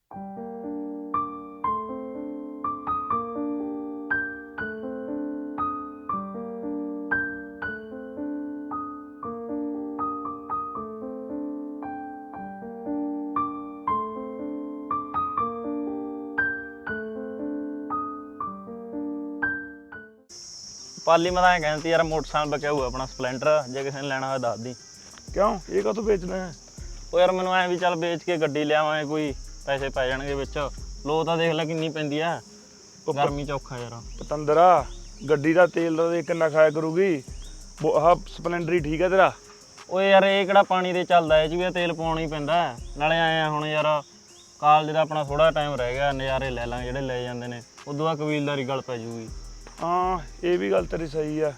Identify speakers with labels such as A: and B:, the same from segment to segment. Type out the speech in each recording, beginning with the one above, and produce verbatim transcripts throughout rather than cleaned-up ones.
A: पाली मैं कहती यार मोटरसाइकिल बचा हुआ अपना स्पलेंडर, जे किसी ने लेना हो दस दी।
B: क्यों ये कदों बेचना है?
A: ਉਹ ਯਾਰ ਮੈਨੂੰ ਐ ਵੀ ਚੱਲ ਵੇਚ ਕੇ ਗੱਡੀ ਲਿਆਵਾਂਗੇ, ਕੋਈ ਪੈਸੇ ਪੈ ਜਾਣਗੇ ਵਿੱਚ। ਲੋ ਤਾਂ ਦੇਖ ਲੈ ਕਿੰਨੀ ਪੈਂਦੀ ਆ, ਗਰਮੀ ਚ ਔਖਾ ਯਾਰ।
B: ਪਤੰਦਰਾ ਗੱਡੀ ਦਾ ਤੇਲ ਦਾ ਦੇਖ ਕਿੰਨਾ ਖਾਇਆ ਕਰੂਗੀ, ਆਹ ਸਪਲੈਂਡਰ ਹੀ ਠੀਕ ਹੈ ਤੇਰਾ।
A: ਓਏ ਯਾਰ ਇਹ ਕਿਹੜਾ ਪਾਣੀ ਦੇ ਚੱਲਦਾ, ਇਹ ਚ ਵੀ ਤੇਲ ਪਾਉਣਾ ਹੀ ਪੈਂਦਾ। ਨਾਲੇ ਆਏ ਆ ਹੁਣ ਯਾਰ ਕਾਲਜ ਦਾ ਆਪਣਾ ਥੋੜਾ ਟਾਈਮ ਰਹਿ ਗਿਆ, ਨਜ਼ਾਰੇ ਲੈ ਲਾਂਗੇ ਜਿਹੜੇ ਲੈ ਜਾਂਦੇ ਨੇ, ਉਦੋਂ ਬਾਅਦ ਕਬੀਲਦਾਰੀ ਗੱਲ ਪੈ ਜੂਗੀ।
B: ਹਾਂ ਇਹ ਵੀ ਗੱਲ ਤੇਰੀ ਸਹੀ ਆ।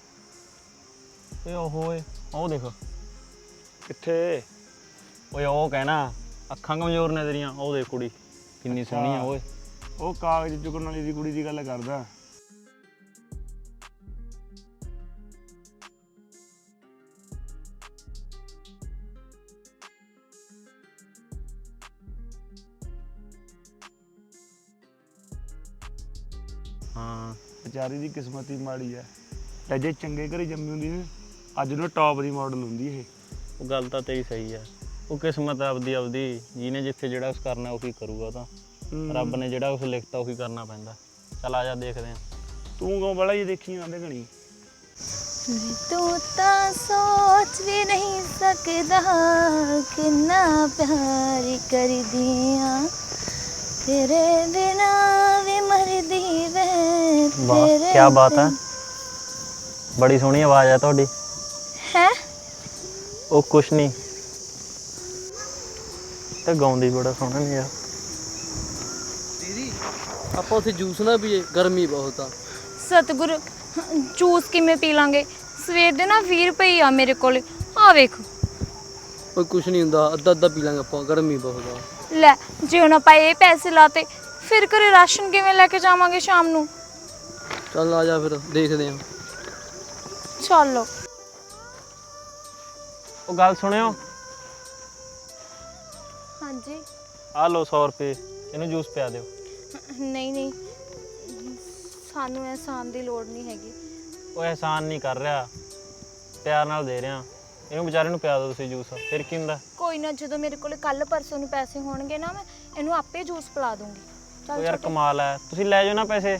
A: ਇਹ ਉਹ ਓਏ ਉਹ ਦੇਖ
B: ਕਿੱਥੇ?
A: ਓਏ ਉਹ ਕਹਿਣਾ ਅੱਖਾਂ ਕਮਜ਼ੋਰ ਨੇ ਤੇਰੀਆਂ, ਉਹ ਦੇਖ ਕੁੜੀ ਕਿੰਨੀ ਸੋਹਣੀ ਆ ਓਏ।
B: ਉਹ ਕਾਗਜ਼ ਚੁੱਕਣ ਵਾਲੀ ਦੀ ਕੁੜੀ ਦੀ ਗੱਲ ਕਰਦਾ।
A: ਹਾਂ
B: ਵਿਚਾਰੀ ਦੀ ਕਿਸਮਤ ਹੀ ਮਾੜੀ ਹੈ, ਤੇ ਜੇ ਚੰਗੇ ਘਰੇ ਜੰਮੀ ਹੁੰਦੀ ਨਾ ਅੱਜ ਨੂੰ ਟੌਪ ਦੀ ਮਾਡਲ ਹੁੰਦੀ ਇਹ।
A: ਉਹ ਗੱਲ ਤਾਂ ਤੇਰੀ ਸਹੀ ਆ, ਉਹ ਕਿਸਮਤ ਆਪਦੀ ਆਪਦੀ, ਜਿਹਨੇ ਜਿੱਥੇ ਜਿਹੜਾ ਕੁਛ ਕਰਨਾ ਉਹੀ ਕਰੂਗਾ। ਤਾਂ ਰੱਬ ਨੇ ਜਿਹੜਾ ਕੁਛ ਲਿਖਤਾ ਉਹੀ ਕਰਨਾ ਪੈਂਦਾ। ਚੱਲ ਆ ਜਾ ਦੇਖਦੇ ਆ।
B: ਤੂੰ ਕਿਉਂ ਬੜਾ ਹੀ ਦੇਖੀ ਆਂਦੇ ਘਣੀ?
C: ਤੂੰ ਤਾਂ ਸੋਚ ਵੀ ਨਹੀਂ ਸਕਦਾ ਕਿੰਨਾ ਪਿਆਰ ਕਰਦੀ ਆ, ਤੇਰੇ ਬਿਨਾ ਵੀ ਮਰਦੀ ਵੇ।
A: ਵਾਹ ਕੀ ਬਾਤ ਹੈ, ਬੜੀ ਸੋਹਣੀ ਆਵਾਜ਼ ਹੈ ਤੁਹਾਡੀ।
C: ਹੈ
A: ਉਹ ਕੁਛ ਨਹੀਂ, ਤੇ ਗਾਉਂਦੀ ਬੜਾ ਸੋਹਣਾ ਨਹੀਂ ਯਾਰ।
D: ਦੀਦੀ ਆਪਾਂ ਉੱਥੇ ਜੂਸ ਨਾ ਪੀਏ, ਗਰਮੀ ਬਹੁਤ ਆ।
C: ਸਤਿਗੁਰ ਜੂਸ ਕਿਵੇਂ ਪੀ ਲਾਂਗੇ, ਸਵੇਰ ਦੇ ਨਾ ਵੀਹ ਰੁਪਏ ਆ ਮੇਰੇ ਕੋਲ, ਆ ਵੇਖ।
D: ਕੋਈ ਕੁਛ ਨਹੀਂ ਹੁੰਦਾ, ਅੱਧਾ ਅੱਧਾ ਪੀ ਲਾਂਗੇ ਆਪਾਂ, ਗਰਮੀ ਬਹੁਤ ਆ।
C: ਲੈ ਜੇ ਹੁਣ ਆਪਾਂ ਇਹ ਪੈਸੇ ਲਾਤੇ ਫਿਰ ਘਰੇ ਰਾਸ਼ਨ ਕਿਵੇਂ ਲੈ ਕੇ ਜਾਵਾਂਗੇ ਸ਼ਾਮ ਨੂੰ?
D: ਚੱਲ ਆ ਜਾ ਫਿਰ ਦੇਖਦੇ ਆ।
C: ਚਲੋ।
A: ਉਹ ਗੱਲ ਸੁਣਿਓ,
C: ਹਾਂਜੀ।
A: ਆ ਲਓ ਸੌ ਰੁਪਏ, ਇਹਨੂੰ ਜੂਸ ਪਿਆ ਦਿਓ।
C: ਨਹੀਂ ਨਹੀਂ ਸਾਨੂੰ ਅਹਿਸਾਨ ਦੀ ਲੋੜ ਨਹੀਂ ਹੈਗੀ।
A: ਉਹ ਅਹਿਸਾਨ ਨਹੀਂ ਕਰ ਰਿਹਾ, ਪਿਆਰ ਨਾਲ ਦੇ ਰਿਹਾ। ਇਹਨੂੰ ਵਿਚਾਰੇ ਨੂੰ ਪਿਆ ਦਿਓ ਤੁਸੀਂ ਜੂਸ, ਫਿਰ ਕੀ ਹੁੰਦਾ।
C: ਕੋਈ ਨਾ, ਜਦੋਂ ਮੇਰੇ ਕੋਲ ਕੱਲ ਪਰਸੋਂ ਨੂੰ ਪੈਸੇ ਹੋਣਗੇ ਨਾ ਮੈਂ ਇਹਨੂੰ ਆਪੇ ਜੂਸ ਪਿਲਾ ਦੂੰਗੀ।
A: ਉਹ
C: ਚੱਲ
A: ਯਾਰ
C: ਛੋਟੇ,
A: ਕਮਾਲ ਹੈ, ਤੁਸੀਂ ਲੈ ਜਾਓ ਨਾ ਪੈਸੇ।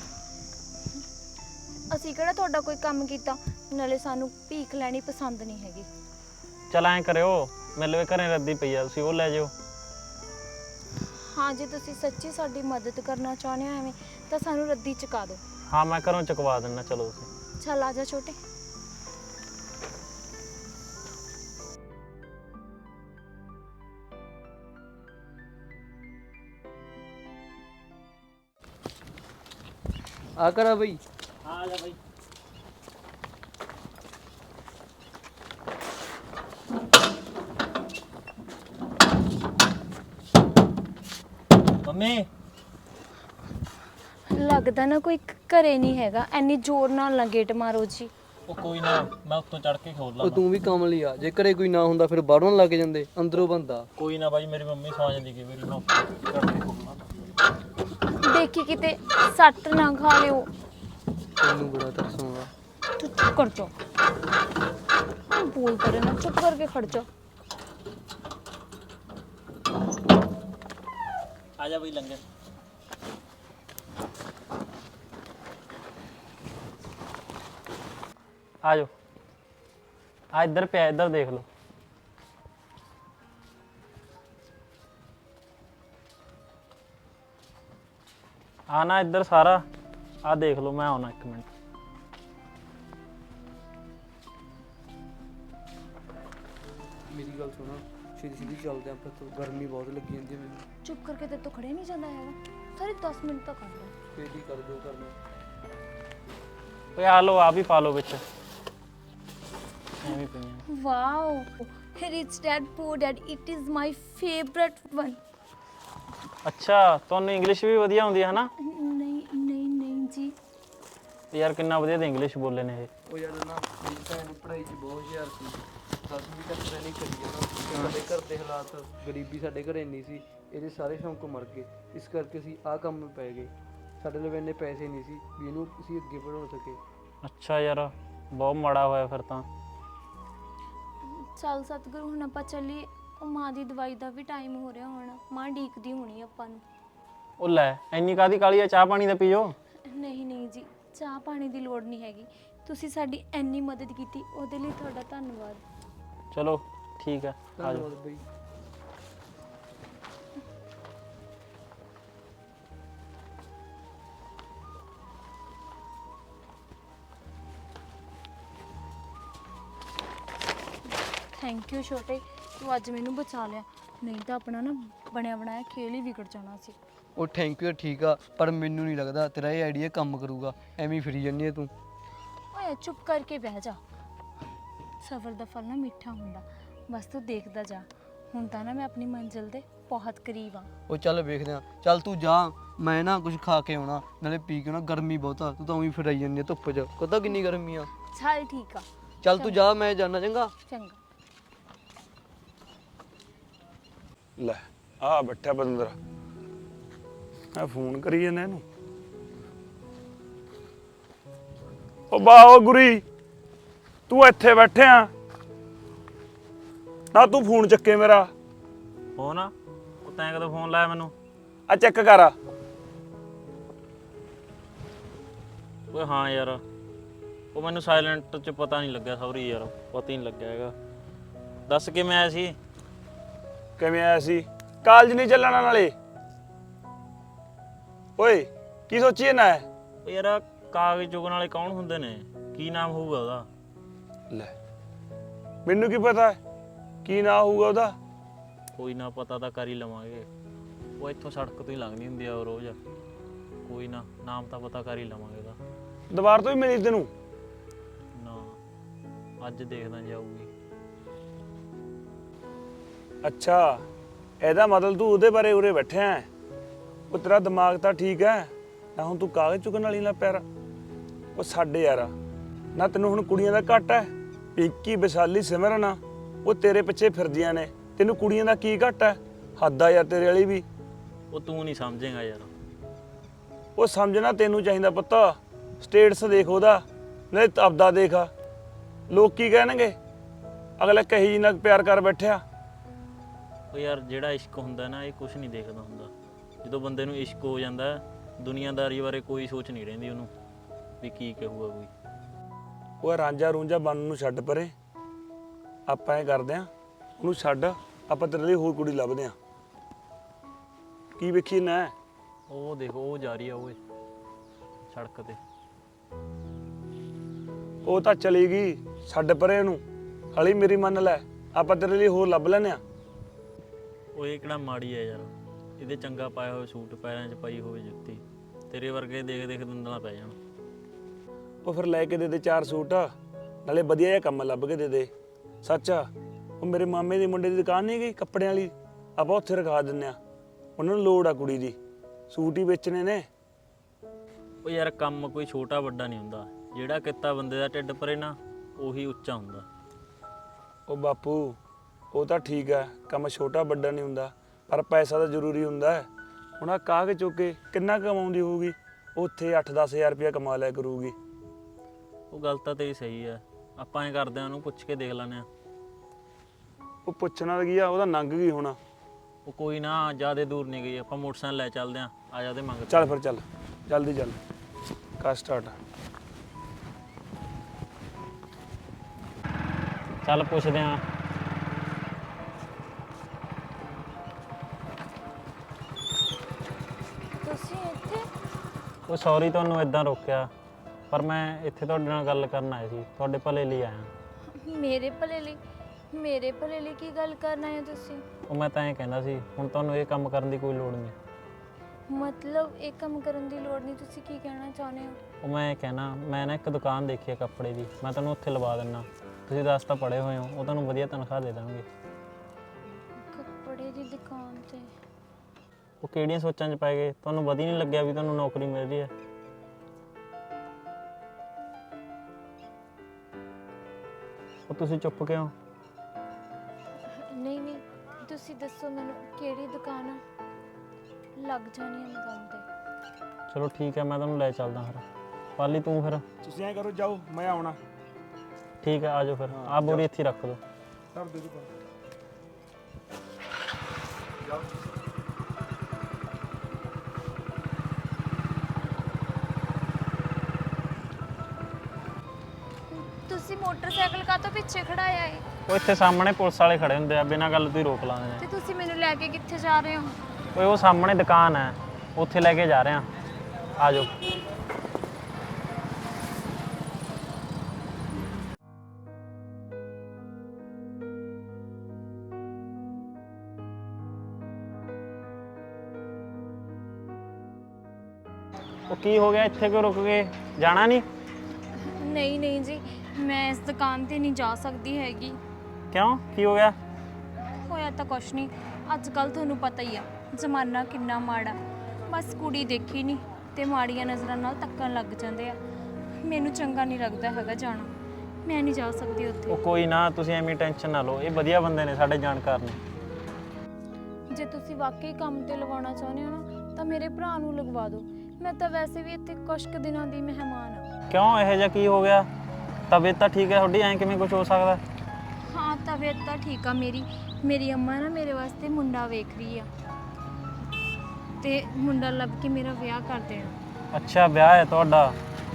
C: ਅਸੀਂ ਕਿਹੜਾ ਤੁਹਾਡਾ ਕੋਈ ਕੰਮ ਕੀਤਾ, ਨਾਲੇ ਸਾਨੂੰ ਭੀਖ ਲੈਣੀ ਪਸੰਦ ਨਹੀਂ ਹੈਗੀ।
A: ਚੱਲ ਐਂ ਕਰਿਓ, ਮੇਰੇ ਲਈ ਘਰੇ ਰੱਦੀ ਪਈ ਆ, ਤੁਸੀਂ ਉਹ ਲੈ ਜਾਓ।
C: ਹਾਂ ਜੇ ਤੁਸੀਂ ਸੱਚੀ ਸਾਡੀ ਮਦਦ ਕਰਨਾ ਚਾਹੁੰਦੇ ਹੋ ਐਵੇਂ, ਤਾਂ ਸਾਨੂੰ ਰੱਦੀ ਚੁਕਾ ਦਿਓ।
A: ਹਾਂ ਮੈਂ ਘਰੋਂ ਚੁਕਵਾ ਦਿੰਦਾ, ਚਲੋ ਤੁਸੀਂ।
C: ਚੱਲ ਆ ਜਾ ਛੋਟੇ।
D: ਆ ਕਰਾ ਬਈ।
A: ਹਾਂ ਆ ਜਾ ਬਾਈ। ਮੰਮੀ
C: ਲੱਗਦਾ ਨਾ ਕੋਈ ਘਰੇ ਨਹੀਂ ਹੈਗਾ, ਐਨੀ ਜ਼ੋਰ ਨਾਲ ਨਾ ਗੇਟ ਮਾਰੋ ਜੀ।
A: ਉਹ ਕੋਈ ਨਾ, ਮੈਂ ਉੱਤੋਂ ਚੜ ਕੇ ਖੋਲ
D: ਉਹ
A: ਲਾਂ।
D: ਤੂੰ ਵੀ ਕਮਲੀ ਆ, ਜੇ ਘਰੇ ਕੋਈ ਨਾ ਹੁੰਦਾ ਫਿਰ ਬਾਹਰੋਂ ਲੱਗ ਜਾਂਦੇ, ਅੰਦਰੋਂ ਬੰਦਾ।
A: ਕੋਈ ਨਾ ਬਾਈ, ਮੇਰੀ ਮੰਮੀ ਸੌ ਜਾਂਦੀ ਕਈ ਵਾਰੀ, ਮੈਂ ਉੱਤੋਂ ਚੜ ਕੇ ਖੋਲ ਲਾਂ।
C: ਦੇਖੀ ਕਿਤੇ ਸੱਟ ਨਾ ਖਾ ਲਿਓ।
D: ਤੈਨੂੰ ਬੜਾ ਤਰਸ ਆਉਂਦਾ।
C: ਤੂੰ ਚੁੱਪ ਕਰ ਜਾ, ਬੋਲ ਕਰੇ ਨਾ, ਚੁੱਪ ਕਰਕੇ ਖੜ ਜਾ।
A: ਆ ਜਾ ਬਈ ਲੰਗਰ। ਆ ਜਾਓ, ਆ ਇੱਧਰ ਪਿਆ, ਇੱਧਰ ਦੇਖ ਲਓ। ਆ ਨਾ ਇੱਧਰ ਸਾਰਾ, ਆ ਦੇਖ ਲਓ, ਮੈਂ ਆਉਣਾ ਇੱਕ ਮਿੰਟ।
D: ਮੇਰੀ ਗੱਲ ਸੁਣਾ, ਛੇਤੀ ਛੇਤੀ ਚੱਲਦੇ ਆਪਾਂ, ਤੋਂ ਗਰਮੀ ਬਹੁਤ ਲੱਗੀ ਜਾਂਦੀ ਹੈ ਮੈਨੂੰ।
C: ਚੁੱਪ ਕਰਕੇ ਤੇ ਤੋਂ ਖੜਿਆ ਨਹੀਂ ਜਾਂਦਾ ਹੈਗਾ, ਸਾਰੇ ਦਸ ਮਿੰਟ ਤੱਕ ਆਉਂਦਾ।
D: ਛੇਤੀ ਕਰ ਜੋ ਕਰਨਾ।
A: ਓਏ ਆ ਲਓ, ਆ ਵੀ ਪਾ ਲਓ ਵਿੱਚ, ਐਵੇਂ ਪਈਆਂ।
C: Wow, rich dad poor dad, it is my favourite one.
A: ਅੱਛਾ, ਤੁਹਾਨੂੰ ਇੰਗਲਿਸ਼ ਵੀ ਵਧੀਆ ਆਉਂਦੀ ਹੈ ਨਾ?
C: ਨਹੀਂ ਨਹੀਂ ਨਹੀਂ ਜੀ।
A: ਯਾਰ ਕਿੰਨਾ ਵਧੀਆ ਤੇ ਇੰਗਲਿਸ਼ ਬੋਲੇ ਨੇ ਇਹ।
D: ਉਹ ਯਾਰ ਨਾ ਮੇਰੀ ਭੈਣ ਪੜ੍ਹਾਈ 'ਚ ਬਹੁਤ ਹੁਸ਼ਿਆਰ ਸੀ, ਦਸਵੀਂ ਤੱਕ ਤਾਂ ਨਹੀਂ ਕਰੀ ਜਾਣਾ। ਸਾਡੇ ਘਰ ਦੇ ਹਾਲਾਤ, ਗਰੀਬੀ ਸਾਡੇ ਘਰੇ ਇੰਨੀ ਸੀ, ਇਹਦੇ ਸਾਰੇ ਸ਼ੌਂਕ ਮਰ ਗਏ। ਇਸ ਕਰਕੇ ਅਸੀਂ ਆਹ ਕੰਮ ਪੈ ਗਏ। ਸਾਡੇ ਲਈ ਇੰਨੇ ਪੈਸੇ ਨਹੀਂ ਸੀ ਵੀ ਇਹਨੂੰ ਅਸੀਂ ਅੱਗੇ ਵਧਾ ਸਕੇ।
A: ਅੱਛਾ ਯਾਰ, ਬਹੁਤ ਮਾੜਾ ਹੋਇਆ ਫਿਰ ਤਾਂ।
C: ਚੱਲ ਸਤਿਗੁਰੂ ਹੁਣ ਆਪਾਂ ਚੱਲੀਏ। ਉਹ ਮਾਂ ਦੀ ਦਵਾਈ ਦਾ ਵੀ ਟਾਈਮ ਹੋ ਰਿਹਾ ਹੁਣ, ਮਾਂ ਡੀਕਦੀ ਹੋਣੀ ਆਪਾਂ ਨੂੰ।
A: ਉਹ ਲੈ, ਇੰਨੀ ਕਾਹਦੀ ਕਾਲੀ ਆ, ਚਾਹ ਪਾਣੀ ਦਾ ਪੀਓ।
C: ਨਹੀਂ ਨਹੀਂ ਜੀ, ਚਾਹ ਪਾਣੀ ਦੀ ਲੋੜ ਨਹੀਂ ਹੈਗੀ। ਤੁਸੀਂ ਸਾਡੀ ਇੰਨੀ ਮਦਦ ਕੀਤੀ ਉਹਦੇ ਲਈ ਤੁਹਾਡਾ ਧੰਨਵਾਦ।
A: ਚਲੋ ਠੀਕ ਹੈ, ਆ ਜਾਓ।
D: ਧੰਨਵਾਦ ਬਈ।
C: ਥੈਂਕ ਯੂ ਛੋਟੇ, ਤੂੰ ਅੱਜ ਮੈਨੂੰ ਬਚਾ ਲਿਆ, ਨਹੀਂ ਤਾਂ ਆਪਣਾ ਨਾ ਬਣਿਆ ਬਣਾਇਆ ਖੇਲ ਹੀ ਵਿਗੜ ਜਾਣਾ ਸੀ।
D: ਉਹ ਥੈਂਕ ਯੂ ਠੀਕ ਆ, ਪਰ ਮੈਨੂੰ ਨਹੀਂ ਲੱਗਦਾ ਤੇਰਾ ਇਹ ਆਈਡੀਆ ਕੰਮ ਕਰੂਗਾ। ਐਵੇਂ ਹੀ ਫਿਰੀ ਜਾਂਦੀ ਹੈ ਤੂੰ।
C: ਓਏ ਚੁੱਪ ਕਰਕੇ ਬਹਿ ਜਾ। ਸਬਰ ਦਾ ਫਲ ਨਾ ਮਿੱਠਾ ਹੁੰਦਾ, ਬਸ ਤੂੰ ਦੇਖਦਾ ਜਾ। ਹੁਣ ਤਾਂ ਨਾ ਮੈਂ ਆਪਣੀ ਮੰਜ਼ਿਲ ਦੇ ਬਹੁਤ ਕਰੀਬ ਆ।
D: ਉਹ ਚੱਲ ਵੇਖਦੇ ਆ। ਚੱਲ ਤੂੰ ਜਾ, ਮੈਂ ਨਾ ਕੁਝ ਖਾ ਕੇ ਆਉਣਾ, ਨਾਲੇ ਪੀ ਕੇ ਨਾ। ਗਰਮੀ ਬਹੁਤ ਆ, ਤੂੰ ਤਾਂ ਉਵੇਂ ਫਿਰਾਈ ਜਾਂਦੀ ਆ ਧੁੱਪ 'ਚ। ਪਤਾ ਕਿੰਨੀ ਗਰਮੀ ਆ।
C: ਚੱਲ ਠੀਕ ਆ।
D: ਚੱਲ ਤੂੰ ਜਾ, ਮੈਂ ਜਾਣਾ। ਚੰਗਾ
C: ਚੰਗਾ।
B: ਲੈ ਆ ਬੈਠਾ ਬੰਦਰ, ਮੈਂ ਫੋਨ ਕਰੀ ਜਾਂਦਾ ਇਹਨੂੰ। ਉਹ ਬਾਓ ਗੁਰੀ, ਤੂੰ ਇੱਥੇ ਬੈਠਿਆ ਨਾ? ਤੂੰ ਫੋਨ ਚੱਕੇ ਮੇਰਾ।
A: ਫੋਨ ਆ? ਉਹ ਤੈਂ ਕਦੋਂ ਫੋਨ ਲਾਇਆ ਮੈਨੂੰ?
B: ਆ ਚੈੱਕ ਕਰ।
A: ਓਏ ਹਾਂ ਯਾਰ, ਉਹ ਮੈਨੂੰ ਸਾਇਲੈਂਟ 'ਚ ਪਤਾ ਨਹੀਂ ਲੱਗਿਆ। ਸੌਰੀ ਯਾਰ, ਪਤਾ ਹੀ ਨਹੀਂ ਲੱਗਿਆ ਹੈਗਾ। ਦੱਸ ਕਿਵੇਂ ਆਇਆ ਸੀ?
B: ਕਿਵੇਂ ਆਇਆ ਸੀ? ਕਾਲਜ ਨਹੀਂ ਚੱਲਣਾ ਨਾਲੇ? ਓਏ ਕੀ ਸੋਚੀ ਨਾ?
A: ਉਹ ਯਾਰ, ਕਾਗਜ਼ ਚੁਗਣ ਵਾਲੇ ਕੌਣ ਹੁੰਦੇ ਨੇ? ਕੀ ਨਾਮ ਹੋਊਗਾ ਉਹਦਾ?
B: ਲੈ ਮੈਨੂੰ ਕੀ ਪਤਾ ਕੀ ਨਾ ਹੋਊਗਾ ਉਹਦਾ।
A: ਕੋਈ ਨਾ, ਪਤਾ ਤਾਂ ਕਰ ਹੀ ਲਵਾਂਗੇ। ਉਹ ਇੱਥੋਂ ਸੜਕ ਤੋਂ ਹੀ ਲੰਘਦੀ ਹੁੰਦੀ ਆ ਉਹ ਰੋਜ਼। ਕੋਈ ਨਾ, ਨਾਮ ਤਾਂ ਪਤਾ ਕਰ ਹੀ ਲਵਾਂਗੇ ਉਹਦਾ।
B: ਦੁਬਾਰਾ ਤੋਂ ਹੀ ਮਿਲੀ ਤੈਨੂੰ?
A: ਨਾ, ਅੱਜ ਦੇਖਦਾ ਜਾਊਗੀ।
B: ਅੱਛਾ, ਇਹਦਾ ਮਤਲਬ ਤੂੰ ਉਹਦੇ ਬਾਰੇ ਉਰੇ ਬੈਠਿਆ ਹੈ। ਉਹ ਤੇਰਾ ਦਿਮਾਗ ਤਾਂ ਠੀਕ ਹੈ ਨਾ? ਹੁਣ ਤੂੰ ਕਾਗਜ਼ ਚੁੱਕਣ ਵਾਲੀ ਨਾ ਪੈਰ। ਉਹ ਸਾਡੇ ਯਾਰ ਨਾ, ਤੈਨੂੰ ਹੁਣ ਕੁੜੀਆਂ ਦਾ ਘੱਟ ਹੈ? ਪਿੰਕੀ, ਵਿਸ਼ਾਲੀ, ਸਿਮਰਨ ਉਹ ਤੇਰੇ ਪਿੱਛੇ ਫਿਰਦੀਆਂ ਨੇ, ਤੈਨੂੰ ਕੁੜੀਆਂ ਦਾ ਕੀ ਘੱਟ ਹੈ? ਹੱਦ ਆ ਯਾਰ ਤੇਰੇ ਵਾਲੀ ਵੀ।
A: ਉਹ ਤੂੰ ਨਹੀਂ ਸਮਝੇਗਾ ਯਾਰ।
B: ਉਹ ਸਮਝਣਾ ਤੈਨੂੰ ਚਾਹੀਦਾ ਪੁੱਤ। ਸਟੇਟਸ ਦੇਖ ਉਹਦਾ, ਨਹੀਂ ਆਪਦਾ ਦੇਖ। ਲੋਕ ਕੀ ਕਹਿਣਗੇ? ਅਗਲਾ ਕਹੀ ਜੀ ਨਾਲ ਪਿਆਰ ਕਰ ਬੈਠਿਆ।
A: ਉਹ ਯਾਰ, ਜਿਹੜਾ ਇਸ਼ਕ ਹੁੰਦਾ ਨਾ, ਇਹ ਕੁਝ ਨਹੀਂ ਦੇਖਦਾ ਹੁੰਦਾ। ਜਦੋਂ ਬੰਦੇ ਨੂੰ ਇਸ਼ਕ ਹੋ ਜਾਂਦਾ, ਦੁਨੀਆਦਾਰੀ ਬਾਰੇ ਕੋਈ ਸੋਚ ਨਹੀਂ ਰਹਿੰਦੀ ਉਹਨੂੰ ਵੀ ਕੀ ਕਹੂਗਾ ਕੋਈ।
B: ਉਹ ਰਾਂਝਾ ਰੂੰਝਾ ਬਣਨ ਨੂੰ ਛੱਡ ਪਰੇ। ਆਪਾਂ ਇਹ ਕਰਦੇ ਆ, ਉਹਨੂੰ ਛੱਡ। ਆਪਾਂ ਤੇਰੇ ਲਈ ਹੋਰ ਕੁੜੀ ਲੱਭਦੇ ਆ। ਕੀ ਵੇਖੀ ਨਾ?
A: ਉਹ ਦੇਖੋ, ਉਹ ਜਾ ਰਹੀ ਆ ਓਏ ਸੜਕ ਤੇ।
B: ਉਹ ਤਾਂ ਚਲੀ ਗਈ, ਛੱਡ ਪਰੇ ਉਹਨੂੰ। ਹਲੀ ਮੇਰੀ ਮੰਨ ਲੈ, ਆਪਾਂ ਤੇਰੇ ਲਈ ਹੋਰ ਲੱਭ ਲੈਨੇ ਆ।
A: ਉਹ ਇਹ ਕਿਹੜਾ ਮਾੜੀ ਆ ਯਾਰ? ਇਹਦੇ ਚੰਗਾ ਪਾਇਆ ਹੋਇਆ ਸੂਟ, ਪੈਰਾਂ 'ਚ ਪਾਈ ਹੋਈ ਜੁੱਤੀ, ਤੇਰੇ ਵਰਗੇ ਦੇਖ ਦੇਖ ਦੰਦਲਾਂ ਪੈ ਜਾਣ।
B: ਉਹ ਫਿਰ ਲੈ ਕੇ ਦੇ ਦੇ ਚਾਰ ਸੂਟ, ਨਾਲੇ ਵਧੀਆ ਜਿਹਾ ਕੰਮ ਲੱਭ ਕੇ ਦੇ ਦੇ। ਸੱਚ ਆ, ਉਹ ਮੇਰੇ ਮਾਮੇ ਦੇ ਮੁੰਡੇ ਦੀ ਦੁਕਾਨ ਨਹੀਂ ਗਈ ਕੱਪੜਿਆਂ ਵਾਲੀ, ਆਪਾਂ ਉੱਥੇ ਰਖਾ ਦਿੰਨੇ ਆ। ਉਹਨਾਂ ਨੂੰ ਲੋੜ ਆ ਕੁੜੀ ਦੀ, ਸੂਟ ਹੀ ਵੇਚਣੇ ਨੇ।
A: ਉਹ ਯਾਰ, ਕੰਮ ਕੋਈ ਛੋਟਾ ਵੱਡਾ ਨਹੀਂ ਹੁੰਦਾ। ਜਿਹੜਾ ਕਿੱਤਾ ਬੰਦੇ ਦਾ ਢਿੱਡ ਭਰੇ ਨਾ, ਉਹੀ ਉੱਚਾ ਹੁੰਦਾ।
B: ਉਹ ਬਾਪੂ, ਉਹ ਤਾਂ ਠੀਕ ਆ, ਕੰਮ ਛੋਟਾ ਵੱਡਾ ਨਹੀਂ ਹੁੰਦਾ, ਪਰ ਪੈਸਾ ਤਾਂ ਜ਼ਰੂਰੀ ਹੁੰਦਾ ਹੈ। ਹੁਣ ਆ ਕਾਗਜ਼ ਚੁੱਕ ਕੇ ਕਿੰਨਾ ਕਮਾਉਂਦੀ ਹੋਊਗੀ? ਉੱਥੇ ਅੱਠ ਦਸ ਹਜ਼ਾਰ ਰੁਪਇਆ ਕਮਾ ਲਿਆ ਕਰੂਗੀ।
A: ਉਹ ਗੱਲ ਤਾਂ ਤੇਰੀ ਸਹੀ ਆ। ਆਪਾਂ ਐਂ ਕਰਦੇ ਆ, ਉਹਨੂੰ ਪੁੱਛ ਕੇ ਦੇਖ ਲੈਂਦੇ ਆ।
B: ਉਹ ਪੁੱਛਣਾ ਕੀ ਆ, ਉਹਦਾ ਨੰਗ ਗਈ ਹੋਣਾ।
A: ਉਹ ਕੋਈ ਨਾ, ਜ਼ਿਆਦਾ ਦੂਰ ਨਹੀਂ ਗਈ। ਆਪਾਂ ਮੋਟਰਸਾਈਕਲ ਲੈ ਚੱਲਦੇ ਆ। ਆ ਜਾ ਉਹਦੇ ਮੰਗ।
B: ਚੱਲ ਫਿਰ, ਚੱਲ ਜਲਦੀ ਚੱਲ, ਕਰ ਸਟਾਰਟ।
A: ਚੱਲ ਪੁੱਛਦੇ ਆ।
C: ਤੁਸੀਂ ਇੱਥੇ?
A: ਉਹ ਸੌਰੀ ਤੁਹਾਨੂੰ ਇਦਾਂ ਰੋਕਿਆ, ਪਰ ਮੈਂ ਇੱਥੇ ਤੁਹਾਡੇ ਨਾਲ ਗੱਲ ਕਰਨ ਆਇਆ ਸੀ, ਤੁਹਾਡੇ ਭਲੇ ਲਈ ਆਇਆ।
C: ਮੇਰੇ ਭਲੇ ਲਈ? ਮੇਰੇ ਭਲੇ ਲਈ ਕੀ ਗੱਲ ਕਰਨਾ ਹੈ ਤੁਸੀਂ?
A: ਉਹ ਮੈਂ ਤਾਂ ਐਂ ਕਹਿੰਦਾ ਸੀ, ਹੁਣ ਤੁਹਾਨੂੰ ਇਹ ਕੰਮ ਕਰਨ ਦੀ ਕੋਈ ਲੋੜ ਨਹੀਂ।
C: ਮਤਲਬ ਇਹ ਕੰਮ ਕਰਨ ਦੀ ਲੋੜ ਨਹੀਂ? ਤੁਸੀਂ ਕੀ ਕਹਿਣਾ ਚਾਹੁੰਦੇ ਹੋ?
A: ਉਹ ਮੈਂ ਕਹਿਣਾ, ਮੈਂ ਨਾ ਇੱਕ ਦੁਕਾਨ ਦੇਖੀ ਹੈ ਕੱਪੜੇ ਦੀ, ਮੈਂ ਤੁਹਾਨੂੰ ਉੱਥੇ ਲਵਾ ਦਿੰਦਾ। ਤੁਸੀਂ ਦਸ ਤਾਂ ਪੜ੍ਹੇ ਹੋਏ ਹੋ, ਉਹ ਤੁਹਾਨੂੰ ਵਧੀਆ ਤਨਖਾਹ ਦੇ ਦੇਣਗੇ।
C: ਕੱਪੜੇ ਦੀ ਦੁਕਾਨ ਤੇ?
A: ਉਹ ਕਿਹੜੀਆਂ ਸੋਚਾਂ 'ਚ ਪੈ ਗਏ? ਤੁਹਾਨੂੰ ਵਧੀਆ ਨਹੀਂ ਲੱਗਿਆ ਵੀ ਤੁਹਾਨੂੰ ਨੌਕਰੀ ਮਿਲ ਰਹੀ ਹੈ? ਉਹ ਤੁਸੀਂ ਚੁੱਪ ਕਿਉਂ?
C: ਨਹੀਂ ਨਹੀਂ, ਤੁਸੀਂ ਦੱਸੋ ਮੈਨੂੰ ਕਿਹੜੀ ਦੁਕਾਨ ਆ? ਲੱਗ ਜਾਣੀ ਆ ਮੈਂ ਕੰਮ ਤੇ।
A: ਚਲੋ ਠੀਕ ਹੈ, ਮੈਂ ਤੁਹਾਨੂੰ ਲੈ ਚੱਲਦਾ ਫਿਰ। ਪਾਲੀ ਤੂੰ ਫਿਰ
B: ਤੁਸੀਂ ਐਂ ਕਰੋ, ਜਾਓ, ਮੈਂ ਆਉਣਾ।
A: ਠੀਕ ਹੈ, ਆ ਜਾਓ ਫਿਰ। ਆ ਬੋਰੀ ਇੱਥੇ ਰੱਖ ਦਿਓ।
B: ਕਰ ਦੇ ਤੂੰ।
C: ਤੁਸੀਂ ਮੋਟਰਸਾਈਕਲ ਕਾਹਤੋਂ ਪਿੱਛੇ ਖੜਾਇਆ ਏ?
A: ਉਹ ਇੱਥੇ ਸਾਹਮਣੇ ਪੁਲਿਸ ਵਾਲੇ ਖੜੇ ਹੁੰਦੇ ਆ, ਬਿਨਾਂ ਗੱਲ ਤੋਂ ਹੀ ਰੋਕ ਲਾਉਂਦੇ ਨੇ।
C: ਤੇ ਤੁਸੀਂ ਮੈਨੂੰ ਲੈ ਕੇ ਕਿੱਥੇ ਜਾ ਰਹੇ ਹੋ?
A: ਓਏ ਉਹ ਸਾਹਮਣੇ ਦੁਕਾਨ ਹੈ, ਉੱਥੇ ਲੈ ਕੇ ਜਾ ਰਹੇ ਆ। ਆ ਜਾਓ। ਉਹ ਕੀ ਹੋ ਗਿਆ, ਇੱਥੇ ਕਿਉਂ ਰੁਕ ਗਏ? ਜਾਣਾ ਨਹੀਂ?
C: ਨਹੀਂ ਨਹੀਂ ਜੀ, ਮੈਂ ਇਸ ਦੁਕਾਨ ਤੇ ਨਹੀਂ ਜਾ ਸਕਦੀ ਹੈਗੀ।
A: ਕਿਉਂ, ਕੀ ਹੋ ਗਿਆ?
C: ਹੋਇਆ ਤਾਂ ਕੁਛ ਨਹੀਂ, ਅੱਜ ਕੱਲ ਤੁਹਾਨੂੰ ਪਤਾ ਹੀ ਆ ਜ਼ਮਾਨਾ ਕਿੰਨਾ ਮਾੜਾ। ਬਸ ਕੁੜੀ ਦੇਖੀ ਨਹੀਂ ਤੇ ਮਾੜੀਆਂ ਨਜ਼ਰਾਂ ਨਾਲ ਤੱਕਣ ਲੱਗ ਜਾਂਦੇ ਆ। ਮੈਨੂੰ ਚੰਗਾ ਨਹੀਂ ਲੱਗਦਾ ਹੈਗਾ ਜਾਣਾ, ਮੈਂ ਨਹੀਂ ਜਾ ਸਕਦੀ ਉੱਥੇ।
A: ਉਹ ਕੋਈ ਨਾ, ਤੁਸੀਂ ਐਵੇਂ ਟੈਨਸ਼ਨ ਨਾ ਲਓ, ਇਹ ਵਧੀਆ ਬੰਦੇ ਨੇ, ਸਾਡੇ ਜਾਣਕਾਰ ਨੇ।
C: ਜੇ ਤੁਸੀਂ ਵਾਕਈ ਕੰਮ ਤੇ ਲਵਾਉਣਾ ਚਾਹੁੰਦੇ ਹੋ ਨਾ ਤਾਂ ਮੇਰੇ ਭਰਾ ਨੂੰ ਲਗਵਾ ਦਿਓ। ਮੈਂ ਤਾਂ ਵੈਸੇ ਵੀ ਇੱਥੇ ਕੁਛ ਕੁ ਦਿਨਾਂ ਦੀ ਮਹਿਮਾਨ ਆ।
A: ਕਿਉਂ, ਇਹੋ ਜਿਹਾ ਕੀ ਹੋ ਗਿਆ? ਤਬੀਅਤ ਤਾਂ ਠੀਕ ਹੈ ਤੁਹਾਡੀ, ਐਂ ਕਿਵੇਂ ਕੁਝ ਹੋ ਸਕਦਾ?
C: ਹਾਂ ਤਬੀਅਤ ਤਾਂ ਠੀਕ ਆ ਮੇਰੀ। ਮੇਰੀ ਅੰਮਾ ਨਾ ਮੇਰੇ ਵਾਸਤੇ ਮੁੰਡਾ ਵੇਖ ਰਹੀ ਆ ਤੇ ਮੁੰਡਾ ਲੱਭ ਕੇ ਮੇਰਾ ਵਿਆਹ ਕਰ ਦੇਣਾ।
A: ਅੱਛਾ, ਵਿਆਹ ਹੈ ਤੁਹਾਡਾ?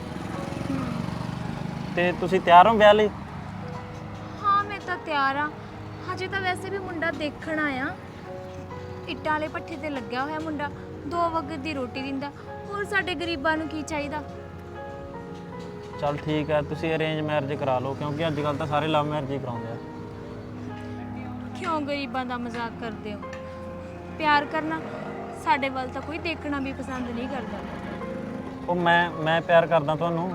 A: ਤੇ ਤੁਸੀਂ ਤਿਆਰ ਹੋ ਵਿਆਹ ਲਈ?
C: ਹਾਂ ਮੈਂ ਤਾਂ ਤਿਆਰ ਆ। ਹਜੇ ਤਾਂ ਵੈਸੇ ਵੀ ਮੁੰਡਾ ਦੇਖਣ ਆਇਆ। ਇੱਟਾਂ ਵਾਲੇ ਭੱਠੇ ਤੇ ਲੱਗਿਆ ਹੋਇਆ ਮੁੰਡਾ, ਦੋ ਵਕਤ ਦੀ ਰੋਟੀ ਦਿੰਦਾ। ਹੋਰ ਸਾਡੇ ਗਰੀਬਾਂ ਨੂੰ ਕੀ ਚਾਹੀਦਾ?
A: ਚਲ ਠੀਕ ਹੈ, ਤੁਸੀਂ ਅਰੇਂਜ ਮੈਰਿਜ ਕਰਾ ਲਓ, ਕਿਉਂਕਿ ਅੱਜ ਕੱਲ ਤਾਂ ਸਾਰੇ ਲਵ ਮੈਰਿਜ ਹੀ ਕਰਾਉਂਦੇ ਆ।
C: ਕਿਉਂ ਗਰੀਬਾਂ ਦਾ ਮਜ਼ਾਕ ਕਰਦੇ ਹੋ? ਪਿਆਰ ਕਰਨਾ ਸਾਡੇ ਵੱਲ ਤਾਂ ਕੋਈ ਦੇਖਣਾ ਵੀ ਪਸੰਦ ਨਹੀਂ ਕਰਦਾ।
A: ਉਹ ਮੈਂ ਮੈਂ ਪਿਆਰ ਕਰਦਾ ਤੁਹਾਨੂੰ।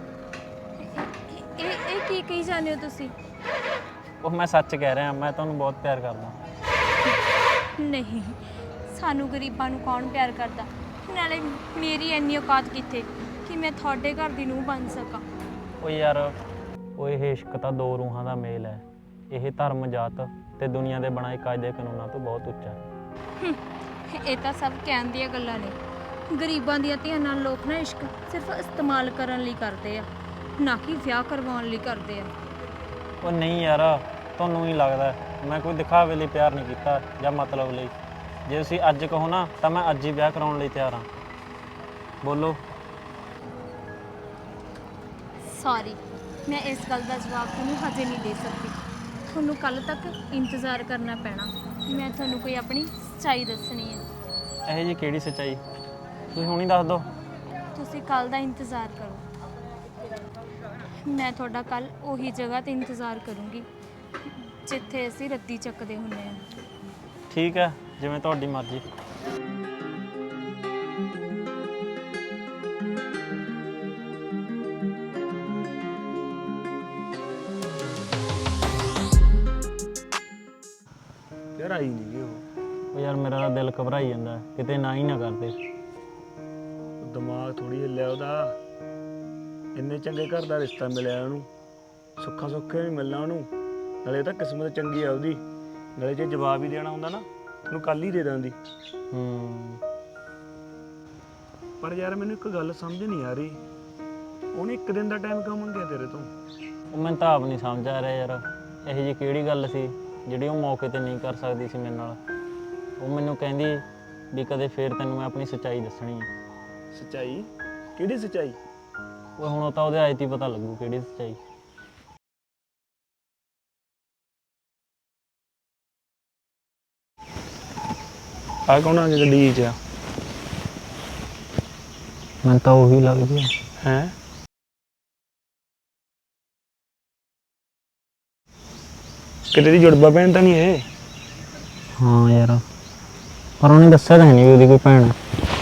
C: ਇਹ ਇਹ ਕੀ ਕਹੀ ਜਾਂਦੇ ਹੋ ਤੁਸੀਂ?
A: ਉਹ ਮੈਂ ਸੱਚ ਕਹਿ ਰਿਹਾ, ਮੈਂ ਤੁਹਾਨੂੰ ਬਹੁਤ ਪਿਆਰ ਕਰਦਾ।
C: ਨਹੀਂ, ਸਾਨੂੰ ਗਰੀਬਾਂ ਨੂੰ ਕੌਣ ਪਿਆਰ ਕਰਦਾ? ਨਾਲੇ ਮੇਰੀ ਇੰਨੀ ਔਕਾਤ ਕਿੱਥੇ ਕਿ ਮੈਂ ਤੁਹਾਡੇ ਘਰ ਦੀ ਨੂੰਹ ਬਣ ਸਕਾਂ।
A: ਉਹ ਯਾਰ, ਉਹ ਇਹ ਇਸ਼ਕ ਤਾਂ ਦੋ ਰੂਹਾਂ ਦਾ ਮੇਲ ਹੈ। ਇਹ ਧਰਮ, ਜਾਤ ਤੇ ਦੁਨੀਆ ਦੇ ਬਣਾਏ ਕਾਇਦੇ ਕਾਨੂੰਨਾਂ ਤੋਂ ਬਹੁਤ ਉੱਚਾ ਹੈ।
C: ਇਹ ਤਾਂ ਸਭ ਕਹਿਣ ਦੀਆਂ ਗੱਲਾਂ ਨੇ। ਗਰੀਬਾਂ ਦੀਆਂ ਧੀਆਂ ਨਾਲ ਲੋਕ ਨਾ ਇਸ਼ਕ ਸਿਰਫ ਇਸਤੇਮਾਲ ਕਰਨ ਲਈ ਕਰਦੇ ਆ, ਨਾ ਕਿ ਵਿਆਹ ਕਰਵਾਉਣ ਲਈ ਕਰਦੇ ਆ।
A: ਉਹ ਨਹੀਂ ਯਾਰ, ਤੁਹਾਨੂੰ ਹੀ ਲੱਗਦਾ ਮੈਂ ਕੋਈ ਦਿਖਾਵੇ ਲਈ ਪਿਆਰ ਨਹੀਂ ਕੀਤਾ ਜਾਂ ਮਤਲਬ ਲਈ। ਜੇ ਤੁਸੀਂ ਅੱਜ ਕਹੋ ਨਾ ਤਾਂ ਮੈਂ ਅੱਜ ਹੀ ਵਿਆਹ ਕਰਾਉਣ ਲਈ ਤਿਆਰ ਹਾਂ। ਬੋਲੋ।
C: ਸੌਰੀ, ਮੈਂ ਇਸ ਗੱਲ ਦਾ ਜਵਾਬ ਤੁਹਾਨੂੰ ਹਜੇ ਨਹੀਂ ਦੇ ਸਕਦੀ। ਤੁਹਾਨੂੰ ਕੱਲ ਤੱਕ ਇੰਤਜ਼ਾਰ ਕਰਨਾ ਪੈਣਾ। ਮੈਂ ਤੁਹਾਨੂੰ ਕੋਈ ਆਪਣੀ ਸੱਚਾਈ ਦੱਸਣੀ ਹੈ।
A: ਇਹ ਜੀ ਕਿਹੜੀ ਸੱਚਾਈ? ਤੁਸੀਂ ਹੁਣੀ ਦੱਸ ਦਿਓ।
C: ਤੁਸੀਂ ਕੱਲ ਦਾ ਇੰਤਜ਼ਾਰ ਕਰੋ। ਮੈਂ ਤੁਹਾਡਾ ਕੱਲ ਉਹੀ ਜਗ੍ਹਾ ਤੇ ਇੰਤਜ਼ਾਰ ਕਰੂੰਗੀ ਜਿੱਥੇ ਅਸੀਂ ਰੱਦੀ ਚੱਕਦੇ ਹੁੰਦੇ ਹਾਂ।
A: ਠੀਕ ਹੈ, ਜਿਵੇਂ ਤੁਹਾਡੀ ਮਰਜ਼ੀ।
B: ਯਾਰ ਆਈ ਨਹੀਂ ਉਹ।
A: ਉਹ ਯਾਰ ਮੇਰਾ ਤਾਂ ਦਿਲ ਘਬਰਾਈ ਜਾਂਦਾ, ਕਿਤੇ ਨਾ ਹੀ ਨਾ ਕਰਦੇ।
B: ਦਿਮਾਗ ਥੋੜੀ ਹਿੱਲਿਆ ਉਹਦਾ। ਇੰਨੇ ਚੰਗੇ ਘਰ ਦਾ ਰਿਸ਼ਤਾ ਮਿਲਿਆ ਉਹਨੂੰ, ਸੁੱਖਾ ਸੁੱਖੇ ਵੀ ਮਿਲਣਾ ਉਹਨੂੰ। ਨਾਲੇ ਤਾਂ ਕਿਸਮਤ ਚੰਗੀ ਆ ਉਹਦੀ। ਨਾਲੇ ਜੇ ਜਵਾਬ ਹੀ ਦੇਣਾ ਹੁੰਦਾ ਨਾ ਉਹਨੂੰ ਕੱਲ ਹੀ ਦੇ ਦਿੰਦੀ।
A: ਹੂੰ।
B: ਪਰ ਯਾਰ ਮੈਨੂੰ ਇੱਕ ਗੱਲ ਸਮਝ ਨਹੀਂ ਆ ਰਹੀ, ਉਹਨੇ ਇੱਕ ਦਿਨ ਦਾ ਟਾਈਮ ਕਿਉਂ ਮੰਗਿਆ ਤੇਰੇ ਤੋਂ?
A: ਉਹ ਮੈਨੂੰ ਤਾਂ ਆਪ ਨਹੀਂ ਸਮਝ ਆ ਰਿਹਾ ਯਾਰ, ਇਹੋ ਜਿਹੀ ਕਿਹੜੀ ਗੱਲ ਸੀ ਜਿਹੜੀ ਉਹ ਮੌਕੇ ਤੇ ਨਹੀਂ ਕਰ ਸਕਦੀ ਸੀ ਮੇਰੇ ਨਾਲ। ਉਹ ਮੈਨੂੰ ਕਹਿੰਦੀ ਵੀ ਕਦੇ ਫੇਰ ਤੈਨੂੰ ਮੈਂ ਆਪਣੀ ਸੱਚਾਈ ਦੱਸਣੀ ਹੈ।
B: ਸੱਚਾਈ? ਕਿਹੜੀ ਸੱਚਾਈ?
A: ਉਹ ਹੁਣ ਤਾਂ ਉਹਦੇ ਆਏ ਤੀ ਪਤਾ ਲੱਗੂ ਕਿਹੜੀ ਸੱਚਾਈ।
B: ਆ ਕੌਣ ਆ ਗਿਆ ਗੱਡੀ 'ਚ?
A: ਮੈਨੂੰ ਤਾਂ ਉਹੀ ਲੱਗਦੀ ਹੈ।
B: ਹੈ ਕਿਤੇ ਦੀ ਜੁੜਵਾ ਭੈਣ ਤਾਂ ਨਹੀਂ ਇਹ?
A: ਹਾਂ ਯਾਰ, ਪਰ ਉਹਨੇ ਦੱਸਿਆ ਤਾਂ ਨਹੀਂ ਵੀ ਉਹਦੀ ਕੋਈ ਭੈਣ ਹੈ।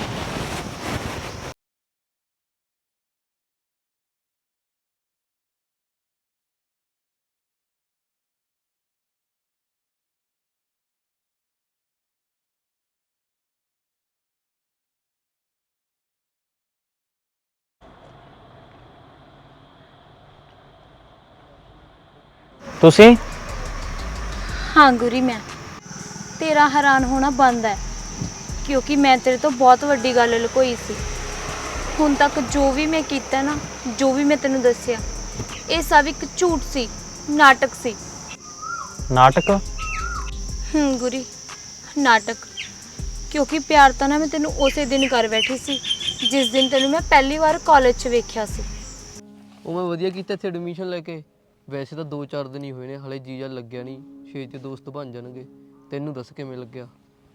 A: ਤੁਸੀਂ?
C: ਹਾਂ ਗੁਰੀ, ਮੈਂ ਤੇਰਾ ਹੈਰਾਨ ਹੋਣਾ ਬੰਦ ਹੈ। ਕਿਉਂਕਿ ਮੈਂ ਤੇਰੇ ਤੋਂ ਬਹੁਤ ਵੱਡੀ ਗੱਲ ਲੁਕੋਈ ਸੀ। ਹੁਣ ਤੱਕ ਜੋ ਵੀ ਮੈਂ ਕੀਤਾ ਨਾ, ਜੋ ਵੀ ਮੈਂ ਤੈਨੂੰ ਦੱਸਿਆ, ਇਹ ਸਭ ਇੱਕ ਝੂਠ ਸੀ, ਨਾਟਕ ਸੀ।
A: ਨਾਟਕ?
C: ਹੂੰ ਗੁਰੀ, ਨਾਟਕ। ਕਿਉਂਕਿ ਪਿਆਰ ਤਾਂ ਨਾ ਮੈਂ ਤੈਨੂੰ ਉਸੇ ਦਿਨ ਕਰ ਬੈਠੀ ਸੀ ਜਿਸ ਦਿਨ ਤੈਨੂੰ ਮੈਂ ਪਹਿਲੀ ਵਾਰ ਕਾਲਜ 'ਚ ਵੇਖਿਆ ਸੀ।
D: ਉਹ ਮੈਂ ਵਧੀਆ ਕੀਤਾ ਇੱਥੇ ਐਡਮਿਸ਼ਨ ਲੈ ਕੇ। ਵੈਸੇ ਤਾਂ ਦੋ ਚਾਰ ਦਿਨ ਹੀ ਹੋਏ ਨੇ, ਹਲੇ ਜੀਜਾ ਲੱਗਿਆ ਨਹੀਂ, ਛੇਤੀ ਦੋਸਤ ਬਣ ਜਾਣਗੇ। ਤੈਨੂੰ ਦੱਸ ਕਿਵੇਂ ਲੱਗਿਆ?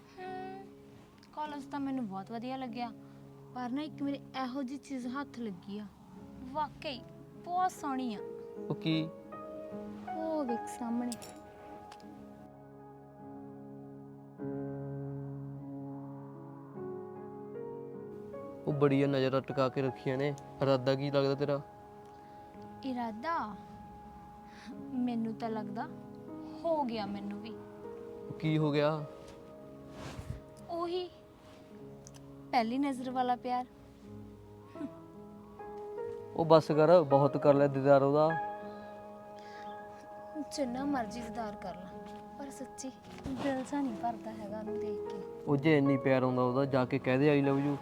C: ਕਾਲਜ ਤਾਂ ਮੈਨੂੰ ਬਹੁਤ ਵਧੀਆ ਲੱਗਿਆ, ਪਰ ਨਾ ਇੱਕ ਮੇਰੇ ਇਹੋ ਜਿਹੀ ਚੀਜ਼ ਹੱਥ ਲੱਗੀ ਆ, ਵਾਕਈ ਬਹੁਤ ਸੋਹਣੀ ਆ।
D: ਉਹ ਕੀ?
C: ਉਹ ਵੇਖ ਸਾਹਮਣੇ।
D: ਉਹ ਬੜੀਆਂ ਨਜ਼ਰਾਂ ਟਿਕਾ ਕੇ ਰੱਖੀਆਂ ਨੇ। ਇਰਾਦਾ ਕੀ ਲੱਗਦਾ ਤੇਰਾ?
C: ਇਰਾਦਾ ਮੈਨੂੰ ਤਾਂ ਲੱਗਦਾ ਹੋ ਗਿਆ ਮੈਨੂੰ ਵੀ।
D: ਉਹ ਕੀ ਹੋ ਗਿਆ?
C: ਉਹੀ ਪਹਿਲੀ ਨਜ਼ਰ ਵਾਲਾ ਪਿਆਰ।
D: ਉਹ ਬੱਸ ਕਰ, ਬਹੁਤ ਕਰ ਲਿਆ ਦੀਦਾਰ ਉਹਦਾ।
C: ਜਿੰਨਾ ਮਰਜ਼ੀ ਦੀਦਾਰ ਕਰ ਲਾ, ਪਰ ਸੱਚੀ ਦਿਲ ਸਾ ਨਹੀਂ ਭਰਦਾ ਹੈਗਾ ਉਹਨੂੰ ਦੇਖ ਕੇ।
D: ਉਹ ਜੇ ਇੰਨੀ ਪਿਆਰ ਆਉਂਦਾ ਉਹਦਾ, ਜਾ ਕੇ ਕਹਿ ਦੇ ਆਈ ਲਵ ਯੂ।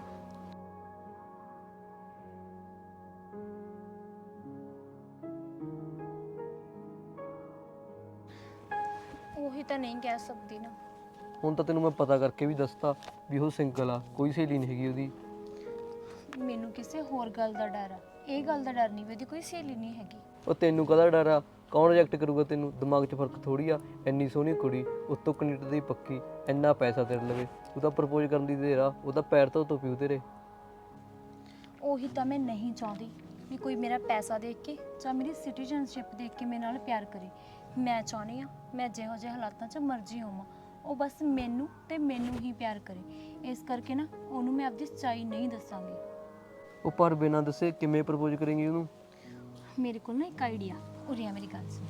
C: ਉਹੀ ਤਾਂ ਨਹੀਂ ਕਹਿ ਸਕਦੀ ਨਾ।
D: ਹੁਣ ਤਾਂ ਤੈਨੂੰ ਮੈਂ ਪਤਾ ਕਰਕੇ ਵੀ ਦੱਸਤਾ ਵੀ ਉਹ ਸਿੰਗਲ ਆ, ਕੋਈ ਸਹੇਲੀ ਨਹੀਂ ਹੈਗੀ ਉਹਦੀ।
C: ਮੈਨੂੰ ਕਿਸੇ ਹੋਰ ਗੱਲ ਦਾ ਡਰ ਆ, ਇਹ ਗੱਲ ਦਾ ਡਰ ਨਹੀਂ ਵੀ ਉਹਦੀ ਕੋਈ ਸਹੇਲੀ ਨਹੀਂ ਹੈਗੀ।
D: ਉਹ ਤੈਨੂੰ ਕਾਹਦਾ ਡਰ ਆ? ਕੌਣ ਰਿਜੈਕਟ ਕਰੂਗਾ ਤੈਨੂੰ? ਦਿਮਾਗ 'ਚ ਫਰਕ ਥੋੜੀ ਆ। ਇੰਨੀ ਸੋਹਣੀ ਕੁੜੀ, ਉੱਤੋਂ ਕੈਨੇਡਾ ਦੀ ਪੱਕੀ, ਇੰਨਾ ਪੈਸਾ ਤੇਰੇ ਲਵੇ, ਤੂੰ ਤਾਂ ਪ੍ਰਪੋਜ਼ ਕਰਨ ਦੀ ਦੇਰ ਆ। ਉਹਦਾ ਪੈਰ ਤੋਂ ਧੋ ਪਿਓ ਤੇਰੇ।
C: ਉਹੀ ਤਾਂ ਮੈਂ ਨਹੀਂ ਚਾਹੁੰਦੀ ਵੀ ਕੋਈ ਮੇਰਾ ਪੈਸਾ ਦੇਖ ਕੇ ਜਾਂ ਮੇਰੀ ਸਿਟੀਜ਼ਨਸ਼ਿਪ ਦੇਖ ਕੇ ਮੇਰੇ ਨਾਲ ਪਿਆਰ ਕਰੇ। ਮੈਂ ਚਾਹੁੰਦੀ ਆ ਮੈਂ ਜਿਹੋ ਜਿਹੇ ਹਾਲਾਤਾਂ 'ਚ ਮਰਜ਼ੀ ਹੋਵਾਂ, ਉਹ ਬਸ ਮੈਨੂੰ ਤੇ ਮੈਨੂੰ ਹੀ ਪਿਆਰ ਕਰੇ। ਇਸ ਕਰਕੇ ਨਾ ਉਹਨੂੰ ਮੈਂ ਆਪਦੀ ਸੱਚਾਈ ਨਹੀਂ ਦੱਸਾਂਗੀ।
D: ਉਹ ਪਰ ਬਿਨਾਂ ਦੱਸੇ ਕਿਵੇਂ ਪ੍ਰਪੋਜ਼ ਕਰੇਂਗੀ ਉਹਨੂੰ?
C: ਮੇਰੇ ਕੋਲ ਨਾ ਇੱਕ ਆਈਡੀਆ। ਉਰੇ ਆ ਮੇਰੀ ਗੱਲ ਸੁਣ।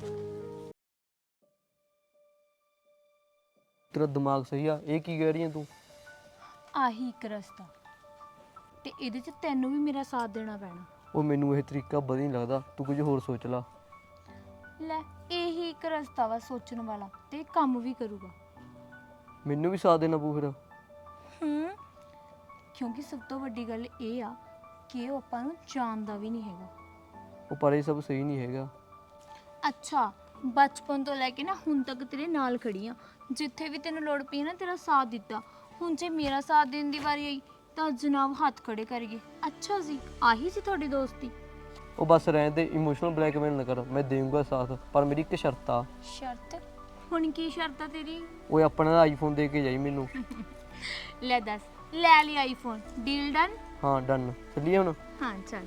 D: ਤੇਰਾ ਦਿਮਾਗ ਸਹੀ ਆ? ਇਹ ਕੀ ਕਹਿ ਰਹੀ ਹੈ ਤੂੰ?
C: ਆਹੀ ਇੱਕ ਰਸਤਾ, ਤੇ ਇਹਦੇ 'ਚ ਤੈਨੂੰ ਵੀ ਮੇਰਾ ਸਾਥ ਦੇਣਾ ਪੈਣਾ।
D: ਉਹ ਮੈਨੂੰ ਇਹ ਤਰੀਕਾ ਵਧੀਆ ਨਹੀਂ ਲੱਗਦਾ, ਤੂੰ ਕੁਝ ਹੋਰ ਸੋਚ ਲਾ।
C: ਲੈ, ਇਹੀ ਇੱਕ ਰਸਤਾ ਵਾ ਸੋਚਣ ਵਾਲਾ, ਤੇ ਕੰਮ ਵੀ ਕਰੂਗਾ।
D: ਮੈਨੂੰ ਵੀ ਸਾਥ ਦੇਣਾ ਪਊ ਫਿਰ?
C: ਹੂੰ, ਕਿਉਂਕਿ ਸਭ ਤੋਂ ਵੱਡੀ ਗੱਲ ਇਹ ਆ ਕਿ ਉਹ ਆਪਾਂ ਨੂੰ ਜਾਣਦਾ ਵੀ ਨਹੀਂ ਹੈਗਾ।
D: ਉਹ ਪਰ ਇਹ ਸਭ ਸਹੀ ਨਹੀਂ ਹੈਗਾ।
C: ਅੱਛਾ, ਬਚਪਨ ਤੋਂ ਲੈ ਕੇ ਨਾ ਹੁਣ ਤੱਕ ਤੇਰੇ ਨਾਲ ਖੜੀ ਆ, ਜਿੱਥੇ ਵੀ ਤੈਨੂੰ ਲੋੜ ਪਈ ਨਾ ਤੇਰਾ ਸਾਥ ਦਿੱਤਾ। ਹੁਣ ਜੇ ਮੇਰਾ ਸਾਥ ਦੇਣ ਦੀ ਵਾਰੀ ਆਈ ਤਾਂ ਜਨਾਬ ਹੱਥ ਖੜੇ ਕਰੀਏ। ਅੱਛਾ ਜੀ, ਆਹੀ ਸੀ ਤੁਹਾਡੀ ਦੋਸਤੀ?
D: ਉਹ ਬਸ ਰਹਿਣ ਦੇ, ਇਮੋਸ਼ਨਲ ਬਲੈਕਮੇਲ ਨਾ ਕਰ। ਮੈਂ ਦੇਵਾਂਗਾ ਸਾਥ, ਪਰ ਮੇਰੀ ਇੱਕ ਸ਼ਰਤ ਆ।
C: ਸ਼ਰਤ? ਹੁਣ ਕੀ ਸ਼ਰਤ ਆ ਤੇਰੀ?
D: ਉਹ ਆਪਣਾ ਆਈਫੋਨ ਦੇ ਕੇ ਜਾਈ ਮੈਨੂੰ।
C: ਲੈ ਦੱਸ, ਲੈ ਲਈ ਆਈਫੋਨ। Deal done?
D: ਹਾਂ ਡਨ। ਚੱਲੀਏ ਹੁਣ?
C: ਹਾਂ ਚੱਲ।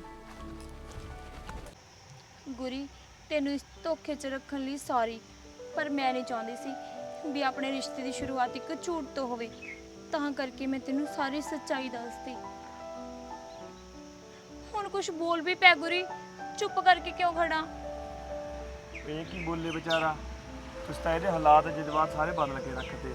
C: ਗੁਰੀ, ਤੈਨੂੰ ਇਸ ਧੋਖੇ 'ਚ ਰੱਖਣ ਲਈ ਸੌਰੀ, ਪਰ ਮੈਂ ਨਹੀਂ ਚਾਹੁੰਦੀ ਸੀ ਵੀ ਆਪਣੇ ਰਿਸ਼ਤੇ ਦੀ ਸ਼ੁਰੂਆਤ ਇੱਕ ਝੂਠ ਤੋਂ ਹੋਵੇ, ਤਾਂ ਕਰਕੇ ਮੈਂ ਤੈਨੂੰ ਸਾਰੀ ਸੱਚਾਈ ਦੱਸਦੀ। ਹੁਣ ਕੁਝ ਬੋਲ ਵੀ ਪੈ ਗੁਰੀ, ਚੁੱਪ ਕਰਕੇ ਕਿਉਂ ਖੜਾ?
B: ਇਹ ਕੀ ਬੋਲੇ ਵਿਚਾਰਾ, ਤੁਸੀਂ ਤਾਂ ਇਹਦੇ ਹਾਲਾਤ ਜਜ਼ਬਾਤ ਸਾਰੇ ਬਦਲ ਕੇ ਰੱਖਦੇ।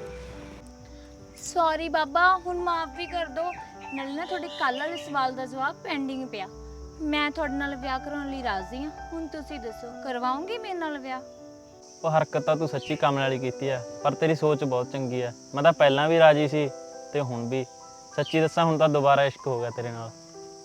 C: ਸੌਰੀ ਬਾਬਾ, ਹੁਣ ਮਾਫ ਵੀ ਕਰ ਦੋ। ਨਾਲੇ ਨਾ ਤੁਹਾਡੇ ਕੱਲ੍ਹ ਵਾਲੇ ਸਵਾਲ ਦਾ ਜਵਾਬ ਪੈਂਡਿੰਗ ਪਿਆ। ਮੈਂ ਤੁਹਾਡੇ ਨਾਲ ਵਿਆਹ ਕਰਾਉਣ ਲਈ ਰਾਜ਼ੀ ਹਾਂ। ਹੁਣ ਤੁਸੀਂ ਦੱਸੋ, ਕਰਵਾਓਗੇ ਮੇਰੇ ਨਾਲ ਵਿਆਹ?
A: ਉਹ ਹਰਕਤ ਤਾਂ ਤੂੰ ਸੱਚੀ ਕੰਮ ਵਾਲੀ ਕੀਤੀ ਆ, ਪਰ ਤੇਰੀ ਸੋਚ ਬਹੁਤ ਚੰਗੀ ਆ। ਮੈਂ ਤਾਂ ਪਹਿਲਾਂ ਵੀ ਰਾਜੀ ਸੀ ਤੇ ਹੁਣ ਵੀ। ਸੱਚੀ ਦੱਸਾਂ, ਹੁਣ ਤਾਂ ਦੁਬਾਰਾ ਇਸ਼ਕ ਹੋ ਗਿਆ ਤੇਰੇ ਨਾਲ।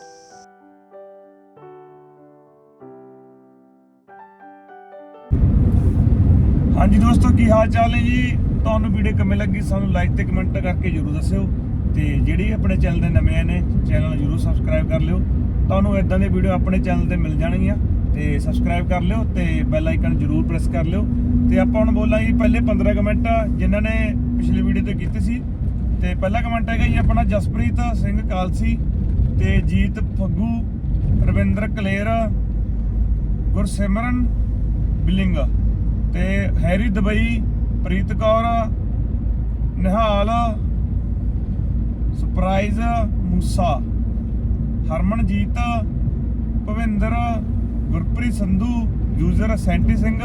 B: ਹਾਂਜੀ ਦੋਸਤੋ, ਕੀ ਹਾਲ ਚਾਲ ਨੇ ਜੀ? ਤੁਹਾਨੂੰ ਵੀਡੀਓ ਕਿਵੇਂ ਲੱਗੀ ਸਾਨੂੰ ਲਾਈਕ ਤੇ ਕਮੈਂਟ ਕਰਕੇ ਜਰੂਰ ਦੱਸਿਓ, ਤੇ ਜਿਹੜੀ ਆਪਣੇ ਚੈਨਲ ਦੇ ਨਵੇਂ ਨੇ ਚੈਨਲ ਨੂੰ ਜਰੂਰ ਸਬਸਕ੍ਰਾਈਬ ਕਰ ਲਿਓ। ਤੁਹਾਨੂੰ ਇਦਾਂ ਦੇ ਵੀਡੀਓ ਆਪਣੇ ਚੈਨਲ ਤੇ ਮਿਲ ਜਾਣਗੀਆਂ, ਤੇ ਸਬਸਕ੍ਰਾਈਬ ਕਰ ਲਿਓ ਤੇ ਬੈਲ ਆਈਕਨ ਜਰੂਰ ਪ੍ਰੈਸ ਕਰ ਲਿਓ। ਤੇ ਆਪਾਂ ਹੁਣ ਬੋਲਾਂਗੇ ਪਹਿਲੇ ਪੰਦਰਾਂ ਕਮੈਂਟ ਜਿਨ੍ਹਾਂ ਨੇ ਪਿਛਲੀ ਵੀਡੀਓ ਤੇ ਕੀਤੇ ਸੀ। ਤੇ ਪਹਿਲਾ ਕਮੈਂਟ ਹੈਗਾ ਜੀ ਆਪਣਾ ਜਸਪ੍ਰੀਤ ਸਿੰਘ ਕਾਲਸੀ, ਤੇ ਜੀਤ ਫੱਗੂ, ਰਵਿੰਦਰ ਕਲੇਰ, ਗੁਰਸਿਮਰਨ ਬਿਲਿੰਗ, ਤੇ Harry Dubai, Preet Kaur, Nihal, surprise Moosa, Harmanjeet, Bhavinder, Gurpreet Sandhu, user Santy Singh,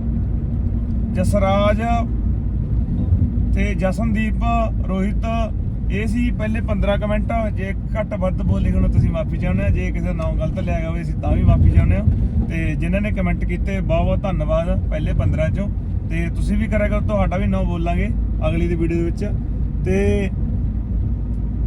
B: Jasraj ਤੇ ਜਸਨਦੀਪ, ਰੋਹਿਤ। ਇਹ ਸੀ ਪਹਿਲੇ ਪੰਦਰਾਂ ਕਮੈਂਟ। ਜੇ ਘੱਟ ਵੱਧ ਬੋਲੇ ਹੁਣ ਤੁਸੀਂ ਮਾਫੀ ਚਾਹੁੰਦੇ ਹੋ, ਜੇ ਕਿਸੇ ਦਾ ਨਾਮ ਗਲਤ ਲਿਆ ਗਿਆ ਹੋਵੇ ਅਸੀਂ ਤਾਂ ਵੀ ਮਾਫੀ ਚਾਹੁੰਦੇ ਹਾਂ। ਤੇ ਜਿਨ੍ਹਾਂ ਨੇ ਕਮੈਂਟ ਕੀਤੇ ਬਹੁਤ ਬਹੁਤ ਧੰਨਵਾਦ ਪਹਿਲੇ ਪੰਦਰਾਂ ਚੋਂ। ਤੇ ਤੁਸੀਂ ਵੀ ਕਰਿਆ ਕਰੋ, ਤੁਹਾਡਾ ਵੀ ਨਾਮ ਬੋਲਾਂਗੇ ਅਗਲੀ ਦੀ ਵੀਡੀਓ ਦੇ ਵਿੱਚ। ਤੇ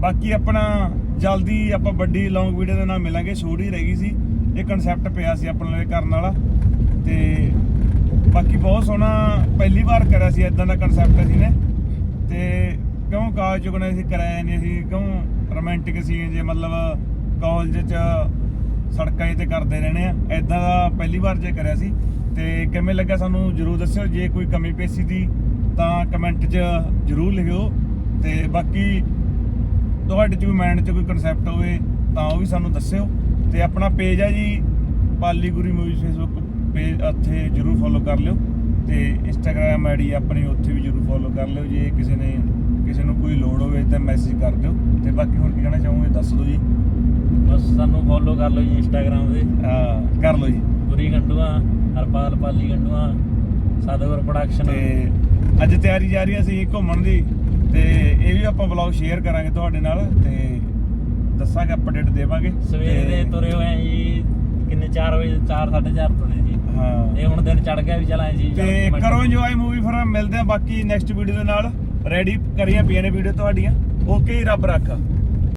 B: ਬਾਕੀ ਆਪਣਾ ਜਲਦੀ ਆਪਾਂ ਵੱਡੀ ਲੌਂਗ ਵੀਡੀਓ ਦੇ ਨਾਲ ਮਿਲਾਂਗੇ। ਛੋੜ ਹੀ ਰਹਿ ਗਈ ਸੀ, ਇਹ ਕਨਸੈਪਟ ਪਿਆ ਸੀ ਆਪਣੇ ਲਈ ਕਰਨ ਵਾਲਾ। ਤੇ ਬਾਕੀ ਬਹੁਤ ਸੋਹਣਾ ਪਹਿਲੀ ਵਾਰ ਕਰਿਆ ਸੀ ਇਦਾਂ ਦਾ ਕਨਸੈਪਟ ਅਸੀਂ ਨੇ। ਤੇ ਕਿਉਂ ਕਾਲਜ ਚੁੱਕਣੇ ਸੀ, ਕਰਾਇਆ ਨਹੀਂ ਸੀ, ਕਿਉਂ ਰੋਮਾਂਟਿਕ ਸੀਨ ਜੇ ਮਤਲਬ ਕਾਲਜ 'ਚ ਸੜਕਾਂ 'ਤੇ ਕਰਦੇ ਰਹਿਣੇ ਆ, ਇਦਾਂ ਦਾ ਪਹਿਲੀ ਵਾਰ ਜੇ ਕਰਿਆ ਸੀ। ਤੇ ਕਿਵੇਂ ਲੱਗਾ ਸਾਨੂੰ ਜ਼ਰੂਰ ਦੱਸਿਓ। ਜੇ ਕੋਈ ਕਮੀ ਪੇਸ਼ੀ ਦੀ ਤਾਂ ਕਮੈਂਟ 'ਚ ਜ਼ਰੂਰ ਲਿਖਿਓ। ਤੇ ਬਾਕੀ ਤੁਹਾਡੇ 'ਚ ਕੋਈ ਮਾਈਂਡ 'ਚ ਕੋਈ ਕਨਸੈਪਟ ਹੋਵੇ ਤਾਂ ਉਹ ਵੀ ਸਾਨੂੰ ਦੱਸਿਓ। ਤੇ ਆਪਣਾ ਪੇਜ ਹੈ ਜੀ Pali Guri movies Facebook page, ਉੱਥੇ ਜ਼ਰੂਰ ਫੋਲੋ ਕਰ ਲਿਓ। ਤੇ ਇੰਸਟਾਗ੍ਰਾਮ ਆਈਡੀ ਆਪਣੀ ਉੱਥੇ ਵੀ ਜ਼ਰੂਰ ਫੋਲੋ ਕਰ ਲਿਓ। ਜੇ ਕਿਸੇ ਨੇ ਕਿਸੇ ਨੂੰ ਕੋਈ ਲੋੜ ਹੋਵੇ ਤਾਂ ਮੈਸੇਜ ਕਰ ਦਿਓ। ਤੇ ਬਾਕੀ ਹੋਰ ਕੀ ਕਹਿਣਾ ਚਾਹੋਗੇ ਦੱਸ ਦਿਓ ਜੀ।
A: ਬਸ ਸਾਨੂੰ ਫੋਲੋ ਕਰ ਲਓ ਜੀ ਇੰਸਟਾਗ੍ਰਾਮ ਤੇ,
B: ਹਾਂ ਕਰ ਲਓ ਜੀ।
A: ਗੁਰੀ ਗੰਡੂਆ, ਹਰਪਾਲ ਪਾਲੀ ਗੰਡੂਆ, ਸਤਿਗੁਰ ਪ੍ਰੋਡਕਸ਼ਨ।
B: ਤੇ ਅੱਜ ਤਿਆਰੀ ਜਾ ਰਹੀ ਹੈ ਅਸੀਂ ਘੁੰਮਣ ਦੀ, ਤੇ ਇਹ ਵੀ ਆਪਾਂ ਵਲੌਗ ਸ਼ੇਅਰ ਕਰਾਂਗੇ ਤੁਹਾਡੇ ਨਾਲ ਤੇ ਦੱਸਾਂਗੇ, ਅਪਡੇਟ ਦੇਵਾਂਗੇ।
A: ਸਵੇਰੇ ਦੇ ਤੁਰੇ ਹੋਏ ਆ ਜੀ, ਕਿੰਨੇ ਚਾਰ ਵਜੇ, ਚਾਰ ਸਾਢੇ ਚਾਰ ਤੁਰੇ ਜੀ।
B: ਹਾਂ
A: ਇਹ ਹੁਣ ਦਿਨ ਚੜ ਗਿਆ ਵੀ ਚਲਾਏ ਜੀ।
B: ਤੇ ਕਰੋ ਇੰਜੋਏ ਮੂਵੀ। ਫਿਰ ਮਿਲਦੇ ਆ ਬਾਕੀ ਨੈਕਸਟ ਵੀਡੀਓ ਦੇ ਨਾਲ। ਰੈਡੀ ਕਰੀਆਂ ਪਈਆਂ ਨੇ ਵੀਡੀਓ ਤੁਹਾਡੀਆਂ। ਓਕੇ, ਰੱਬ ਰੱਖਾ।